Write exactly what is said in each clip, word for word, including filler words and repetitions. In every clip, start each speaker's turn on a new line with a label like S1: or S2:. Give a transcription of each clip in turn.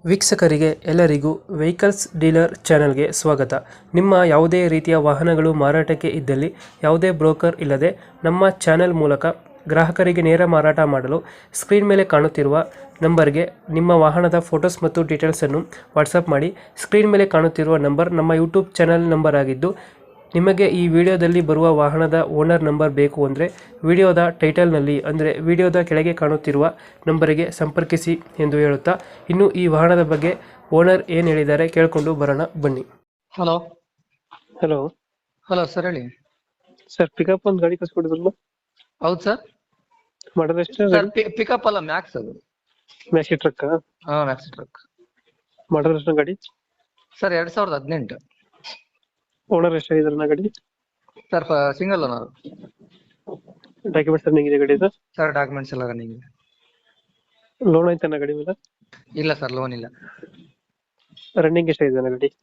S1: ವೀಕ್ಷಕರಿಗೆ ಎಲ್ಲರಿಗೂ vehicles dealer ಚಾನೆಲ್ಗೆ ಸ್ವಾಗತ. ನಿಮ್ಮ ಯಾವುದೇ ರೀತಿಯ ವಾಹನಗಳು ಮಾರಾಟಕ್ಕೆ ಇದ್ದಲ್ಲಿ ಯಾವುದೇ ಬ್ರೋಕರ್ ಇಲ್ಲದೆ ನಮ್ಮ ಚಾನೆಲ್ ಮೂಲಕ ಗ್ರಾಹಕರಿಗೆ ನೇರ ಮಾರಾಟ ಮಾಡಲು ಸ್ಕ್ರೀನ್ ಮೇಲೆ ಕಾಣುತ್ತಿರುವ ನಂಬರ್ಗೆ ನಿಮ್ಮ ವಾಹನದ ಫೋಟೋಸ್ ಮತ್ತು ಡೀಟೇಲ್ಸನ್ನು ವಾಟ್ಸಪ್ ಮಾಡಿ. ಸ್ಕ್ರೀನ್ ಮೇಲೆ ಕಾಣುತ್ತಿರುವ ನಂಬರ್ ನಮ್ಮ ಯೂಟ್ಯೂಬ್ ಚಾನೆಲ್ ನಂಬರ್ ಆಗಿದ್ದು, ನಿಮಗೆ ಈ ವಿಡಿಯೋದಲ್ಲಿ ಬರುವ ವಾಹನದ ಓನರ್ ನಂಬರ್ ಬೇಕು ಅಂದರೆ ವಿಡಿಯೋದ ಟೈಟಲ್ನಲ್ಲಿ ಅಂದರೆ ವಿಡಿಯೋದ ಕೆಳಗೆ ಕಾಣುತ್ತಿರುವ ನಂಬರಿಗೆ ಸಂಪರ್ಕಿಸಿ ಎಂದು ಹೇಳುತ್ತಾ, ಇನ್ನು ಈ ವಾಹನದ ಬಗ್ಗೆ ಓನರ್ ಏನು ಹೇಳಿದ್ದಾರೆ ಕೇಳಿಕೊಂಡು ಬರೋಣ ಬನ್ನಿ.
S2: ಹಲೋ
S1: ಹಲೋ
S2: ಹಲೋ ಸರ್, ಹೇಳಿ.
S1: ಸರ್, ಪಿಕಪ್ ಒಂದು ಗಾಡಿ ಕಳ್ಸಿಕೊಡಿದ್ರಲ್ಲ,
S2: ಹೌದು ಸರ್.
S1: ಮಾಡೋದು ಎಷ್ಟು?
S2: ಸರ್ ಪಿಕಪ್ ಅಲ್ಲ, ಮ್ಯಾಕ್ಸ್ ಅದು.
S1: ಮ್ಯಾಕ್ಸಿ ಟ್ರಕ್
S2: ಹಾ, ಮ್ಯಾಕ್ಸ್ ಟ್ರಕ್.
S1: ಮಾಡೋದು ಎಷ್ಟು ಗಾಡಿ?
S2: ಸರ್ ಎರಡ್ ಸಾವಿರದ ಹದಿನೆಂಟು.
S1: ಓನರ್ ಎಷ್ಟಾಗಿದ್ದಾರೆ ನಾ ಗಾಡಿ?
S2: Sir single owner.
S1: Documents running ಇದೆ ಗಾಡಿದು?
S2: ಸರ್ ಡಾಕ್ಯುಮೆಂಟ್ಸ್ ಎಲ್ಲ ರನ್ನಿಂಗ್ ಇದೆ.
S1: ಲೋನ್ ಐತೆ ನಾ ಗಾಡಿ ಮೇಲೆ?
S2: ಇಲ್ಲ ಸರ್, ಲೋನ್ ಇಲ್ಲ.
S1: ರನ್ನಿಂಗ್ ಎಷ್ಟಾಗಿದೆ ನಾ ಗಾಡಿ?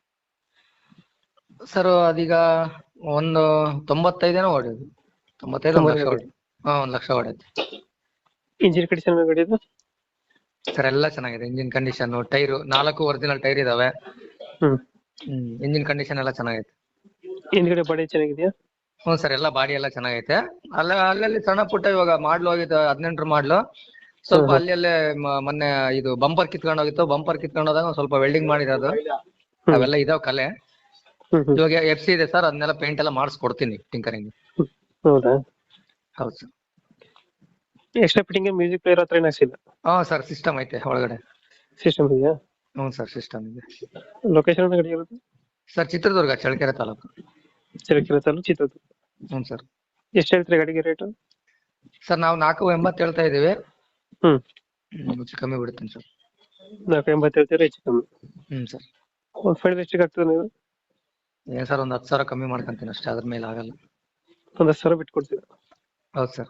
S2: ಸರ್ ಅದೀಗ ಒಂದು ತೊಂಬತ್ತೈದೇನೋ ಹೊಡೆಯೋದು. ತೊಂಬತ್ತೈದು ಒಂದು ಲಕ್ಷ ಹೊಡೆ ಹಾ ಒಂದು ಲಕ್ಷ ಹೊಡೆಯುತ್ತೆ.
S1: ಇಂಜಿನ್ ಕಂಡೀಷನ್ ಗಾಡಿದು?
S2: ಸರ್ ಎಲ್ಲ ಚೆನ್ನಾಗಿದೆ. ಇಂಜಿನ್ ಕಂಡೀಷನ್, ಟೈರು ನಾಲ್ಕು ಒರಿಜಿನಲ್ ಟೈರ್ ಇದಾವೆ.
S1: ಹ್ಮ್
S2: ಹ್ಮ್ ಇಂಜಿನ್ ಕಂಡೀಷನ್ ಎಲ್ಲ ಚೆನ್ನಾಗೈತೆ.
S1: ಹಿಂದ್ಗಡೆ ಬಾಡಿ ಚೆನ್ನಾಗಿದೆಯಾ?
S2: ಹ್ಞೂ ಸರ್, ಎಲ್ಲ ಬಾಡಿ ಎಲ್ಲ ಚೆನ್ನಾಗೈತೆ. ಅಲ್ಲ ಅಲ್ಲಲ್ಲಿ ಸಣ್ಣ ಪುಟ್ಟ, ಇವಾಗ ಮಾಡ್ಲು ಹೋಗಿದ್ದು ಹದಿನೆಂಟರ ಮಾಡ್ಲು, ಸ್ವಲ್ಪ ಅಲ್ಲಿ ಅಲ್ಲೇ ಮ- ಮೊನ್ನೆ ಇದು ಬಂಪರ್ ಕಿತ್ಕೊಂಡು ಹೋಗಿತ್ತು. ಬಂಪರ್ ಕಿತ್ಕೊಂಡು ಹೋದಾಗ ಒಂದ್ ಸ್ವಲ್ಪ ವೆಲ್ಡಿಂಗ್ ಮಾಡಿರೋದು ಅವೆಲ್ಲ ಇದಾವ ಕಲೆ.
S1: ಹ್ಮ್ ಹ್ಮ್
S2: ಇವಾಗ ಎಫ್ ಸಿ ಇದೆ ಸರ್, ಅದನ್ನೆಲ್ಲ ಪೇಂಟ್ ಎಲ್ಲ ಮಾಡಿಸ್ಕೊಡ್ತೀನಿ ಟಿಂಕರಿಂಗ್.
S1: ಹೌದಾ?
S2: ಹೌದು sir.
S1: Extra fitting music player ಹತ್ರ ಏನು ಹಾಕ್ಸಿಲ್ಲ?
S2: ಹಾ ಸರ್, ಸಿಸ್ಟಮ್ ಐತೆ ಒಳಗಡೆ.
S1: ಸಿಸ್ಟಮ್ ಇದೆಯಾ?
S2: ಹ್ಞೂ ಸರ್, ಸಿಸ್ಟಮ್ ಇದೆ.
S1: ಲೊಕೇಶನ್ ಗಾಡಿ ಇರೋದು?
S2: ಸರ್ ಚಿತ್ರದುರ್ಗ, ಚಳ್ಳಕೆರೆ ತಾಲೂಕು.
S1: ಚಳ್ಳಕೆರೆ ತಾಲೂಕು, ಚಿತ್ರದುರ್ಗ.
S2: ಹ್ಞೂ ಸರ್.
S1: ಎಷ್ಟು ಹೇಳ್ತೀರಿ ಗಾಡಿಗೆ ರೇಟು?
S2: ಸರ್ ನಾವು ನಾಲ್ಕು ಎಂಬತ್ತು ಹೇಳ್ತಾ ಇದೀವಿ.
S1: ಹ್ಮ್
S2: ಹ್ಮ್, ಹೆಚ್ಚು ಕಮ್ಮಿ ಬಿಡುತ್ತೀನಿ ಸರ್.
S1: ನಾಲ್ಕು ಎಂಬತ್ತು ಹೇಳ್ತೀರಾ? ಹೆಚ್ಚು ಕಮ್ಮಿ
S2: ಹ್ಮ್ ಸರ್.
S1: ಒಂದು ಫೈನಲ್ ಎಷ್ಟಿಗೆ ಆಗ್ತದೆ ನೀವು?
S2: ಏನ್ ಸರ್, ಒಂದ್ ಹತ್ತು ಸಾವಿರ ಕಮ್ಮಿ ಮಾಡ್ಕೊಂತೀನಿ ಅಷ್ಟೇ, ಅದ್ರ ಮೇಲೆ ಆಗಲ್ಲ.
S1: ಒಂದು ಹತ್ತು ಸಾವಿರ ಬಿಟ್ಟು ಕೊಡ್ತೀರಾ?
S2: ಹೌದು ಸರ್.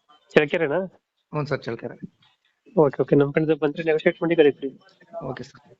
S1: ಚಳ್ಳಕೆರೆನಾ?
S2: ಹ್ಞೂ ಸರ್, ಚಳ್ಳಕೆರೆ.
S1: ಓಕೆ ಓಕೆ ನಮ್ಮ ಕಡೆಯಿಂದ ಬಂದರೆ ನೆಗೋಷಿಯೇಟ್ ಮಾಡಿ ಗಾಡಿ ಕೊಡಿ.
S2: Okay sir.